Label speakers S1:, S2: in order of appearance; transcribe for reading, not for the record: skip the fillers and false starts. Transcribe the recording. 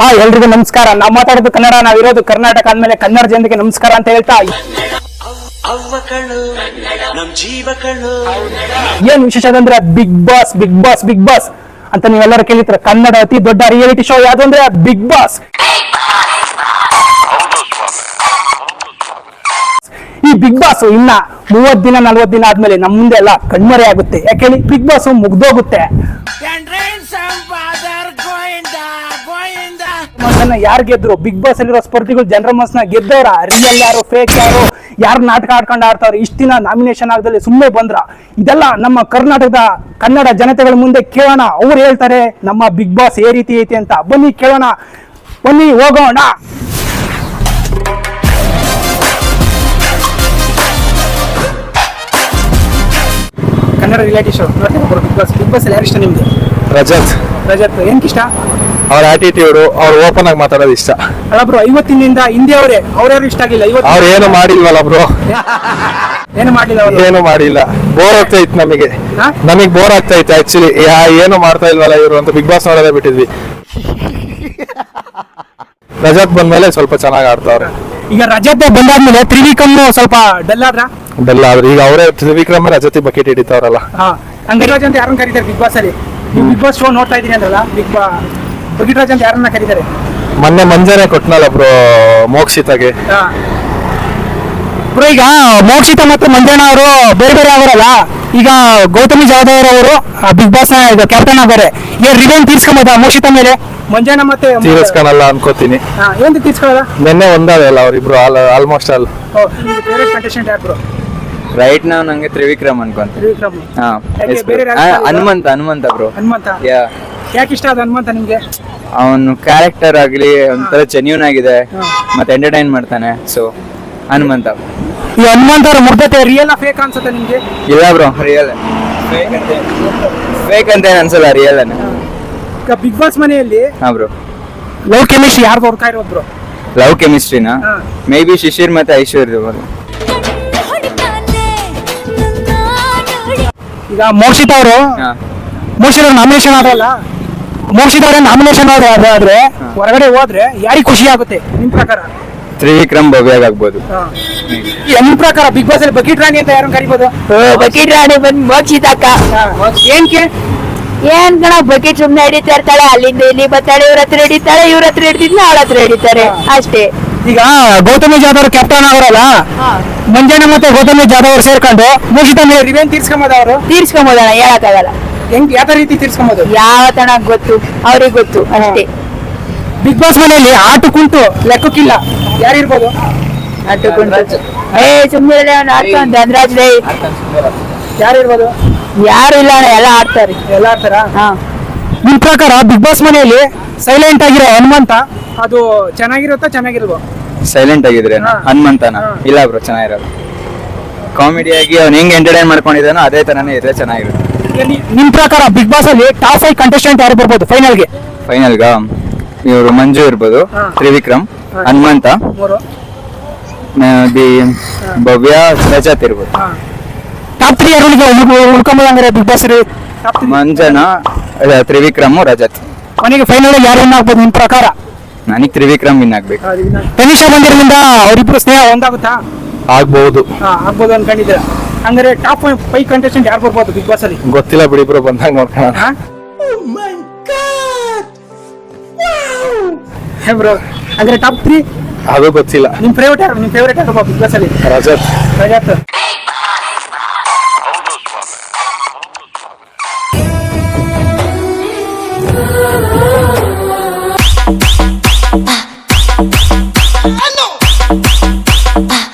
S1: ಎಲ್ರಿಗೂ ನಮಸ್ಕಾರ. ನಾವು ಮಾತಾಡೋದು ಕನ್ನಡ, ನಾವಿರೋದು ಕರ್ನಾಟಕ ಅಂದ್ಮೇಲೆ ಕನ್ನಡ ಜನತೆಗೆ ನಮಸ್ಕಾರ ಅಂತ ಹೇಳ್ತಾ ಏನ್ ವಿಶೇಷ ಅಂದ್ರೆ Bigg Boss Bigg Boss Bigg Boss ಅಂತ ನೀವೆಲ್ಲರೂ ಕೇಳಿದ್ರೆ ಕನ್ನಡ ಅತಿ ದೊಡ್ಡ ರಿಯಾಲಿಟಿ ಶೋ ಯಾವುದು ಅಂದ್ರೆ ಬಿಗ್ ಬಾಸ್. ಈ ಬಿಗ್ ಬಾಸ್ ಇನ್ನ 30 ದಿನ 40 ದಿನ ಆದ್ಮೇಲೆ ನಮ್ ಮುಂದೆ ಎಲ್ಲ ಕಣ್ಮರೆ ಆಗುತ್ತೆ. ಯಾಕೆ ಹೇಳಿ, ಬಿಗ್ ಬಾಸ್ ಮುಗ್ದೋಗುತ್ತೆ. ಯಾರು ಗೆದ್ರು ಬಿಗ್ ಬಾಸ್ ಅಲ್ಲಿರೋ ಸ್ಪರ್ಧಿಗಳು ಜನರ ಮನಸ್ಸನ್ನ ಗೆದ್ದವ್ರ, ರಿಯಲ್ ಯಾರು ಫೇಕ್ ಯಾರು ನಾಟಕ ಆಡ್ಕೊಂಡು ಆಡ್ತಾವ್ರ, ಇಷ್ಟ ದಿನ ನಾಮಿನೇಷನ್ ಆಗದಲ್ಲಿ ಸುಮ್ಮನೆ ಬಂದ್ರ, ಇದೆಲ್ಲ ನಮ್ಮ ಕರ್ನಾಟಕದ ಕನ್ನಡ ಜನತೆಗಳ ಮುಂದೆ ಕೇಳೋಣ. ಅವ್ರು ಹೇಳ್ತಾರೆ ನಮ್ಮ ಬಿಗ್ ಬಾಸ್ ಏ ರೀತಿ ಐತಿ ಅಂತ. ಬನ್ನಿ ಕೇಳೋಣ, ಬನ್ನಿ ಹೋಗೋಣ. Kannada reality show Bigg Boss. Bigg Boss ಯಾರು ಇಷ್ಟ ನಿಮ್ಗೆ?
S2: ರಜತ್
S1: ಏನಕ್ಕೆ ಇಷ್ಟ?
S2: ಅವ್ರ ಆಟಿಟ್ಯೂಡ್, ಅವ್ರು ಓಪನ್ ಆಗಿ ಮಾತಾಡೋದು ಇಷ್ಟ.
S1: ಅಲ್ಲ ಬ್ರೋ, 50 ದಿನದಿಂದ ಹಿಂದೆ ಅವ್ರ್ಯಾರು ಇಷ್ಟ ಆಗಿಲ್ಲ.
S2: ಅವ್ರು ಏನು ಮಾಡಿಲ್ವಲ್ಲ ಬ್ರೋ, ಏನು ಮಾಡಿಲ್ಲ. ಬೋರ್ ಆಗ್ತಾ ಇತ್ತು ನಮಗೆ ಬೋರ್ ಆಗ್ತಾ ಇತ್ತು ಆಕ್ಚುಲಿ. ಏನು ಮಾಡ್ತಾ ಇಲ್ವಲ್ಲ ಇವರು ಅಂತ ಬಿಗ್ ಬಾಸ್ ನೋಡೋದೇ ಬಿಟ್ಟಿದ್ವಿ. ರಜತ್ ಬಂದ್ಮೇಲೆ ಸ್ವಲ್ಪ ಚೆನ್ನಾಗಿ ಆಡ್ತಾವ್ರೆ.
S1: ಈಗ ರಜತ್ ಬಂದಾದ್ಮೇಲೆ ತ್ರಿವಿಕ್ರಮ್ ಸ್ವಲ್ಪ ಡಲ್ ಆದ್ರೆ
S2: ಈಗ ಅವರೇ ತ್ರಿವಿಕ್ರಮ್ ರಜತಿ ಬಕೆಟ್ ಹಿಡಿತಾವ್ರಲ್ಲ.
S1: ಅಂಗರಾಜ್ ಅಂತ ಯಾರನ್ನ ಕರೀತಾರೆ ಬಿಗ್ ಬಾಸ್ ಅಲ್ಲಿ? ನೀವು ಬಿಗ್ ಬಾಸ್ ಶೋ ನೋಡ್ತಾ ಇದೀನಿ ಅಂದ್ರಲ್ಲ, ಬಗಿಟ್ರಾಜ್ ಅಂತ ಯಾರನ್ನ ಕರೀತಾರೆ?
S2: ಮೊನ್ನೆ ಮಂಜಾನೆ ಕೊಟ್ನಲ್ಲ ಬ್ರೋ ಮೋಕ್ಷಿತಾಗೆ.
S1: ಬ್ರೋ, ಈಗ ಮೋಕ್ಷಿತ ಮತ್ತು ಮಂಜಣ್ಣ ಅವರು ಬೇರೆ ಬೇರೆ ಅವರಲ್ಲ. ಈಗ ಗೌತಮಿ ಜಾಧವ್ ಅವರು ಬಿಗ್ ಬಾಸ್ ನ ಕ್ಯಾಪ್ಟನ್ ಆಗಿದ್ದಾರೆ. ಈಗ ರಿವೆಂಜ್ ತೀರ್ಸ್ಕೊಂಬೋದ ಮೋಕ್ಷಿತ ಮೇಲೆ? ಮಂಜಣ್ಣ ಮತ್ತೆ
S2: ತೀರಿಸ್ಕೊಳಲ್ಲ ಅನ್ಕೋತೀನಿ.
S1: ಏನು ತೀರ್ಸ್ಕೊಳ್ಳಲ್ಲ?
S2: ನಿನ್ನೆ ಒಂದಾವೆ ಅಲ್ಲ ಅವರಿಬ್ರು ಆಲ್ಮೋಸ್ಟ್ ಆಲ್.
S1: ಕಂಟೆಸ್ಟೆಂಟ್ ಯಾರು ಬ್ರೋ?
S3: ರೈಟ್ ನಾವು ನಂಗೆ ತ್ರಿವಿಕ್ರಮ್ ಅನ್ಕೊಂತ. ಹನುಮಂತ ಬ್ರೋ.
S1: ಹನುಮಂತ ಯಾಕೆ ಇಷ್ಟ? ಅದು ಹನುಮಂತ ನಿಮ್ಗೆ?
S3: ಅವನು ಕ್ಯಾರೆಕ್ಟರ್ ಆಗ್ಲಿ ಒಂಥರ ಜೆನ್ಯೂನ್ ಆಗಿದೆ, ಮತ್ತೆ ಎಂಟರ್ಟೈನ್ ಮಾಡ್ತಾನೆ. ಸೊ ಹನುಮಂತ.
S1: ಈ ಹನುಮಂತ ಅವ್ರ ಮುಗ್ಧತೆ ರಿಯಲ್ ಫೇಕ್ ಅನ್ಸುತ್ತೆ ನಿಮ್ಗೆ?
S3: ಇಲ್ಲ ಬ್ರೋ, ರಿಯಲ್. ಫೇಕ್ ಅಂತ ಏನ್ ಅನ್ಸಲ್ಲ, ರಿಯಲ್ ಅನ್ನ.
S1: ಈಗ ಬಿಗ್ ಬಾಸ್ ಮನೆಯಲ್ಲಿ
S3: ಬ್ರೋ
S1: ಲವ್ ಕೆಮಿಸ್ಟ್ರಿ ಯಾರು ಹೊರ್ತಾ ಇರೋದು ಬ್ರೋ?
S3: ಲವ್ ಕೆಮಿಸ್ಟ್ರಿನ ಮೇ ಬಿ ಶಿಶಿರ್ ಮತ್ತೆ ಐಶ್ವರ್ಯ.
S1: ಈಗ ಮೋಕ್ಷಿತ್ ಅವರು ನಾಮಿನೇಷನ್ ಆದ್ರಲ್ಲ, ಮೋಕ್ಷಿತ್ ಅವರೇ ನಾಮಿನೇಷನ್ ಆದ್ರೆ ಹೊರಗಡೆ ಹೋದ್ರೆ ಯಾರಿಗೆ ಖುಷಿ ಆಗುತ್ತೆ ನಿಮ್ ಪ್ರಕಾರ?
S3: ತ್ರಿವಿಕ್ರಮ್ ಭವ್ಯಾಗ್ ಆಗ್ಬೋದು.
S1: ನಿಮ್ ಪ್ರಕಾರ ಬಿಗ್ ಬಾಸ್ ಅಲ್ಲಿ ಬಕೀಟ್ ರಾಣಿ ಅಂತ ಯಾರನ್ನ ಕರಿಬೋದು?
S4: ಬಕೀಟ್ ರಾಣಿ ಬಂದ್ ಮೋಕ್ಷಿತ ಅಕ್ಕ. ಏನ್ ಕಣ, ಬಕೀಟ್ ಸುಮ್ನೆ ಹಿಡಿತಾ ಇರ್ತಾಳೆ, ಅಲ್ಲಿಂದ ಇಲ್ಲಿ ಬರ್ತಾಳೆ, ಇವ್ರ ಹತ್ರ ಹಿಡಿತಾಳೆ, ಇವ್ರ ಹತ್ರ ಹಿಡಿತಿದ್ನ ಅವಳ ಹತ್ರ ಹಿಡಿತಾರೆ ಅಷ್ಟೇ.
S1: ಈಗ ಗೌತಮಿ ಜಾಧವ್ ಕ್ಯಾಪ್ಟನ್ ಅವರಲ್ಲ, ಮಂಜಣ್ಣ ಮತ್ತೆ ಗೌತಮಿ ಜಾಧವ್ ಅವ್ರು ಸೇರ್ಕೊಂಡು ಮೋಕ್ಷಿತ ಮೇಲೆ ರಿವೆಂಜ್ ತೀರ್ಸ್ಕೊಂಬೋದ? ಅವರು
S4: ತೀರ್ಸ್ಕೊಂಬೋದಣ, ಹೇಳಕ್ಕಾಗಲ್ಲ.
S1: ಹೆಂಗ್ ಯಾವ ರೀತಿ ತೀರ್ಸ್ಕೊಂಬೋದು?
S4: ಯಾವ ತನ ಗೊತ್ತು, ಅವ್ರಿಗೆ ಗೊತ್ತು ಅಷ್ಟೇ.
S1: ಬಿಗ್ ಬಾಸ್ ಮನೆಯಲ್ಲಿ ಆಟು ಕುಂಟು ಲೆಕ್ಕಕ್ಕಿಲ್ಲ, ಯಾರಿರ್ಬೋದು?
S4: ಸುಮ್ಮನೆ ಧನರಾಜ್ ರೈ
S1: ಯಾರಿರ್ಬೋದು?
S4: ಯಾರು ಇಲ್ಲ, ಎಲ್ಲ ಆಡ್ತಾರೆ.
S1: ಎಲ್ಲ ಆಡ್ತಾರ? ನಿಮ್ ಪ್ರಕಾರ ಬಿಗ್ ಬಾಸ್ ಮನೆಯಲ್ಲಿ ಸೈಲೆಂಟ್ ಆಗಿರೋ ಹನುಮಂತ ಅದು ಚೆನ್ನಾಗಿರುತ್ತಾ?
S3: ಸೈಲೆಂಟ್ ಆಗಿದ್ರೆ ಹನುಮಂತನ? ಇಲ್ಲ ಬ್ರೋ, ಚೆನ್ನಾಗಿರೋದು. ಕಾಮಿಡಿ ಆಗಿ ಅವ್ನು ಹೆಂಗ್ ಎಂಟರ್ಟೈನ್ ಮಾಡ್ಕೊಂಡಿದ್ದಾನೋ ಅದೇ ತರನೇ ಇದ್ರೆ ಚೆನ್ನಾಗಿರುತ್ತೆ.
S1: ನಿಮ್ ಪ್ರಕಾರ ಬಿಗ್ ಬಾಸ್ ಅಲ್ಲಿ ಟಾಪ್ 5 ಕಂಟೆಸ್ಟೆಂಟ್ ಯಾರು ಬರ್ಬೋದು ಫೈನಲ್ಗೆ?
S3: ಇವರು ಮಂಜು ಇರ್ಬೋದು, ತ್ರಿವಿಕ್ರಮ್, ಹನುಮಂತ, ಭವ್ಯ, ರಜತ್ ಇರ್ಬೋದು.
S1: ಟಾಪ್ 3 ಯಾರು ಉಳ್ಕೊಂಬೋದಂದ್ರೆ ಬಿಗ್ ಬಾಸ್?
S3: ಮಂಜನ, ತ್ರಿವಿಕ್ರಮ್, ರಜತ್.
S1: ಮನೆಗೆ ಫೈನಲ್ ಯಾರು ವಿನ್ ಆಗ್ಬೋದು ನಿಮ್ ಪ್ರಕಾರ?
S3: ನನಗೆ ತ್ರಿವಿಕ್ರಮ್ ವಿನ್ ಆಗ್ಬೇಕು.
S1: ತನಿಷಾ ಬಂದಿರೋದ್ರಿಂದ ಅವರಿಬ್ರು ಸ್ನೇಹ ಒಂದಾಗುತ್ತಾ?
S2: ಆಗ್ಬಹುದು
S1: ಅನ್ಕೊಂಡಿದ್ದೀರ? ಹಂಗಾರೆ ಟಾಪ್ 5 ಕಂಟೆಸ್ಟೆಂಟ್ ಯಾರು ಬರ್ಬೋದು ಬಿಗ್ ಬಾಸ್ ಅಲ್ಲಿ?
S2: ಗೊತ್ತಿಲ್ಲ ಬಿಡಿ ಬ್ರೋ, ಬಂದಾಗ ನೋಡ್ಕೊಳ್ಳೋಣ.
S1: ಬ್ರೋ, ಹಂಗಾರೆ ಟಾಪ್ 3
S2: ಅದು ಗೊತ್ತಿಲ್ಲ.
S1: ನಿಮ್ ಫೇವರೇಟ್ ಯಾರು ಬಿಗ್ ಬಾಸ್ ಅಲ್ಲಿ?
S2: ರಜತ್.